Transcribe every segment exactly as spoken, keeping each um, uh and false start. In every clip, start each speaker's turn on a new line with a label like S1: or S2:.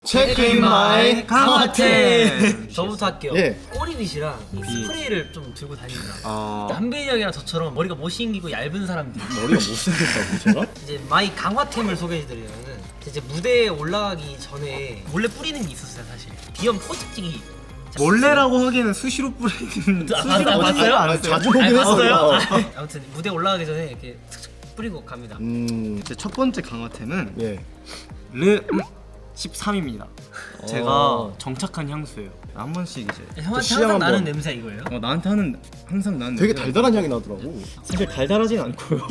S1: 체크인 마이 강화템.
S2: 저부터 할게요.
S1: 예.
S2: 꼬리빗이랑 이 스프레이를 좀 들고 다닙니다.
S1: 아.
S2: 한빈이 형이랑 저처럼 머리가 못생기고 얇은 사람들,
S1: 머리가 못생겼다고 제가?
S2: 이제 마이 강화템을 소개해드리면은 이제 무대에 올라가기 전에 몰래 뿌리는 게 있었어요. 사실 비염 포집지기
S3: 몰래라고 하기에는 수시로 뿌리는
S2: 아,
S3: 수시로
S2: 아,
S3: 뿌리는
S2: 봤어요?
S3: 안 했어요?
S1: 자주 보긴 했어요.
S2: 아무튼 무대 올라가기 전에 이렇게 툭툭 뿌리고 갑니다.
S1: 음.
S3: 제 첫 번째 강화템은
S1: 예.
S3: 르 십삼입니다.
S1: 어.
S3: 제가 정착한 향수예요. 한 번씩 이제
S2: 형한테
S1: 시향
S2: 항상
S1: 한번.
S2: 나는 냄새 이거예요?
S3: 어, 나한테 하는 항상 나는
S1: 되게
S3: 냄새가
S1: 달달한 향이 나더라고.
S3: 사실 달달하진 않고요.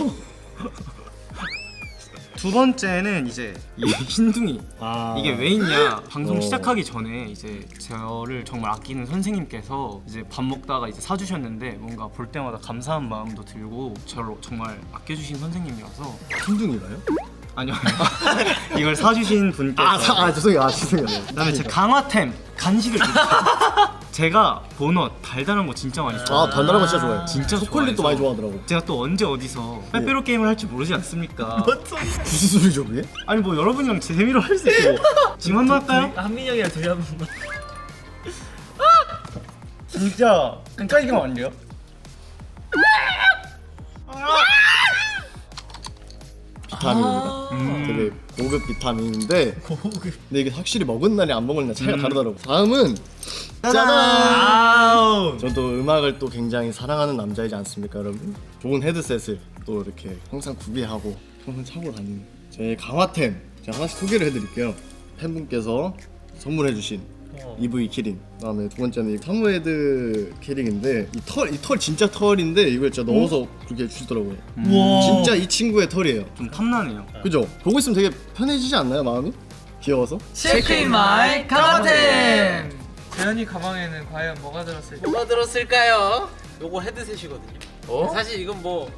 S3: 두 번째는 이제 이 흰둥이.
S1: 아.
S3: 이게 왜 있냐? 방송
S1: 어.
S3: 시작하기 전에 이제 저를 정말 아끼는 선생님께서 이제 밥 먹다가 이제 사주셨는데 뭔가 볼 때마다 감사한 마음도 들고 저를 정말 아껴주신 선생님이라서.
S1: 흰둥이가요?
S3: 아니요. 이걸 사주신 분께서.
S1: 아, 사, 아 죄송해요. 아 죄송해요.
S3: 그다음에 제 강화템 간식을 드릴게요. 제가 보넛 달달한 거 진짜 많이 좋아해요.
S1: 아 달달한 거 진짜 좋아해요.
S3: 진짜
S1: 초콜릿도
S3: 좋아해서.
S1: 많이 좋아하더라고.
S3: 제가 또 언제 어디서 빼빼로 게임을 할지 모르지 않습니까?
S1: 무슨 소리죠 그게?
S3: 아니 뭐 여러분이랑 재미로 할 수 있고. 지금 한번 할까요?
S2: 한빈이 형이랑 둘이 한 번만.
S3: 진짜 헷갈리면 안 돼요?
S1: 비타민입니다.
S3: 음.
S1: 되게 고급 비타민인데
S2: 고급.
S1: 근데 이게 확실히 먹은 날이 안 먹은 날 차이가
S3: 음.
S1: 다르더라고. 다음은 짜잔!
S3: 아우.
S1: 저도 음악을 또 굉장히 사랑하는 남자이지 않습니까 여러분? 좋은 헤드셋을 또 이렇게 항상 구비하고 항상 차고 다니는 제 강화템 제가 하나씩 소개를 해드릴게요. 팬분께서 선물해주신
S2: 어.
S1: 이브이 키링, 그다음에 두 번째는 이 사무헤드 키링인데 이 털 이 털 진짜 털인데 이걸 진짜 넣어서 그렇게 주시더라고요.
S2: 우와.
S1: 진짜 이 친구의 털이에요.
S3: 좀 탐나네요.
S1: 그죠? 보고 있으면 되게 편해지지 않나요 마음이? 귀여워서?
S2: 체크인 마이 강화템.
S4: 재현이 가방에는 과연 뭐가 들었을지.
S2: 뭐가 들었을까요? 요거 헤드셋이거든요.
S4: 어?
S2: 사실 이건 뭐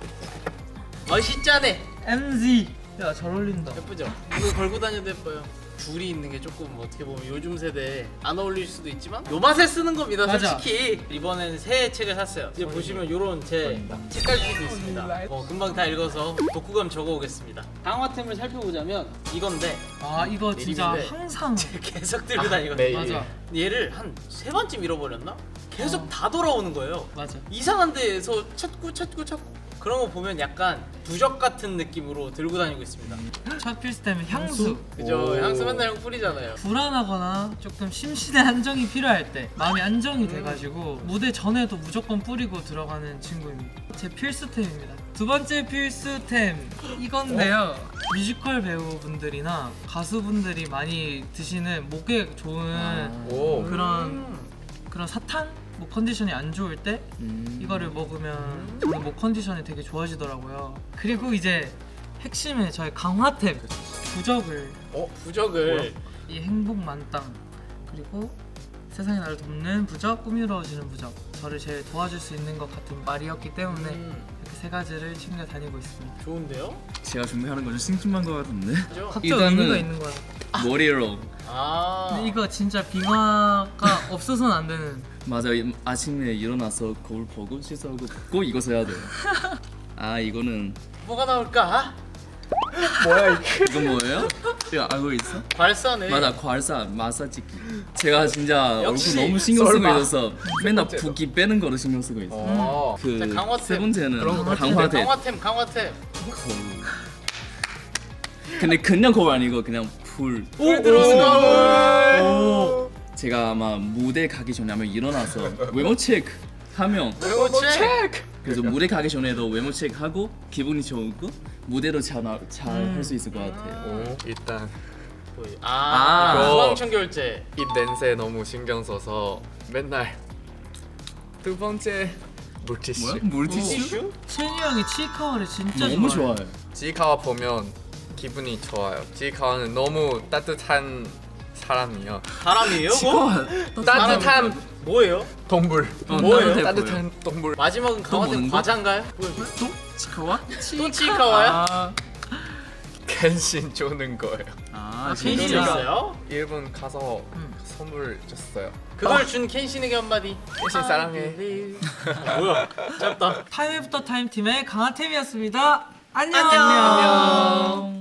S2: 멋있잖아.
S4: 엠지. 야, 잘 어울린다.
S5: 예쁘죠? 이거 걸고 다녀도 예뻐요. 줄이 있는 게 조금 어떻게 보면 요즘 세대에 안 어울릴 수도 있지만 요 맛에 쓰는 겁니다.
S4: 맞아.
S5: 솔직히 이번에는 새 책을 샀어요. 이제 보시면 요런 제 책갈피도 있습니다. 어, 금방 다 읽어서 독후감 적어오겠습니다. 강화템을 살펴보자면 이건데
S4: 아, 이거 진짜
S5: 내리는데.
S4: 항상
S5: 계속 들고 다니거든요.
S4: 맞아.
S5: 얘를 한 세 번쯤 잃어버렸나? 계속 다 돌아오는 거예요.
S4: 맞아.
S5: 이상한 데에서 찾고 찾고 찾고 그런 거 보면 약간 부적 같은 느낌으로 들고 다니고 있습니다.
S4: 첫 필수템은 향수.
S5: 그죠? 향수 맨날 형 뿌리잖아요.
S4: 불안하거나 조금 심신의 안정이 필요할 때 마음이 안정이 돼가지고 무대 전에도 무조건 뿌리고 들어가는 친구입니다. 제 필수템입니다. 두 번째 필수템 이건데요. 뮤지컬 배우분들이나 가수분들이 많이 드시는 목에 좋은
S1: 오.
S4: 그런 그런 사탕? 목 컨디션이 안 좋을 때 이거를 먹으면 저는 목 컨디션이 되게 좋아지더라고요. 그리고 이제 핵심의 저의 강화템 부적을
S5: 어? 부적을
S4: 이 행복 만땅 그리고 세상이 나를 돕는 부적, 꾸미러지는 부적 저를 제일 도와줄 수 있는 것 같은 말이었기 때문에
S5: 음,
S4: 이렇게 세 가지를 챙겨 다니고 있습니다.
S5: 좋은데요?
S6: 제가 준비하는 건 좀 심심한 것 같은데.
S5: 그죠?
S4: 각자
S6: 일단은-
S4: 의미가 있는 거야.
S6: 머리로
S5: 아
S4: 근데 이거 진짜 빙화가 없어서는 안 되는.
S6: 맞아. 요 아침에 일어나서 거울 보고 씻어하고 꼭 이거 써야 돼요. 아 이거는
S5: 뭐가 나올까?
S6: 이건 뭐예요? 이거 알고 있어?
S5: 발사네.
S6: 맞아, 괄사 마사지기. 제가 진짜
S5: 역시
S6: 얼굴 너무 신경 쓰고
S5: 썰마.
S6: 있어서 맨날 붓기 빼는 거를 신경 쓰고 있어.
S5: 어. 자,
S6: 그
S5: 강화템.
S6: 세 번째는
S5: 강화템,
S6: 강화대.
S5: 강화템 강화템.
S6: 거울. 근데 그냥 거울 아니고 그냥 불.
S5: 불 들어오고.
S6: 제가 아마 무대 가기 전에 아마 일어나서 외모 체크 하면
S5: 외모 체크.
S6: 그래서 무대 가기 전에도 외모 체크하고 기분이 좋고 무대로 잘 할 수 있을 것 같아요.
S7: 일단
S5: 아,
S6: 아.
S5: 수강청 결제.
S7: 입 냄새 너무 신경 써서 맨날 두 번째 물티슈.
S6: 뭐야? 물티슈?
S4: 채니 형이 치카와를 진짜
S6: 너무
S4: 좋아해.
S6: 좋아요.
S7: 지카와 보면 기분이 좋아요. 지카와는 너무 따뜻한 사람이요.
S5: 사람이에요? 그거?
S7: 따뜻한
S5: 뭐예요?
S7: 동물.
S6: 어,
S5: 뭐예요?
S6: 따뜻해
S7: 따뜻한 동물.
S5: 마지막은 강화템
S6: 먹는 거?
S5: 과자인가요?
S6: 또? 치카와?
S5: 또 치카와요?
S6: 아,
S7: 켄신 주는 거예요.
S6: 아
S5: 켄신
S6: 진짜?
S5: 있어요?
S7: 일본 가서 선물 줬어요.
S5: 그걸 준 켄신에게 한마디.
S7: 켄신 사랑해.
S5: 뭐야? 짧다.
S4: 타임 애프터 타임 팀의 강화템이었습니다. 안녕.
S5: 안녕.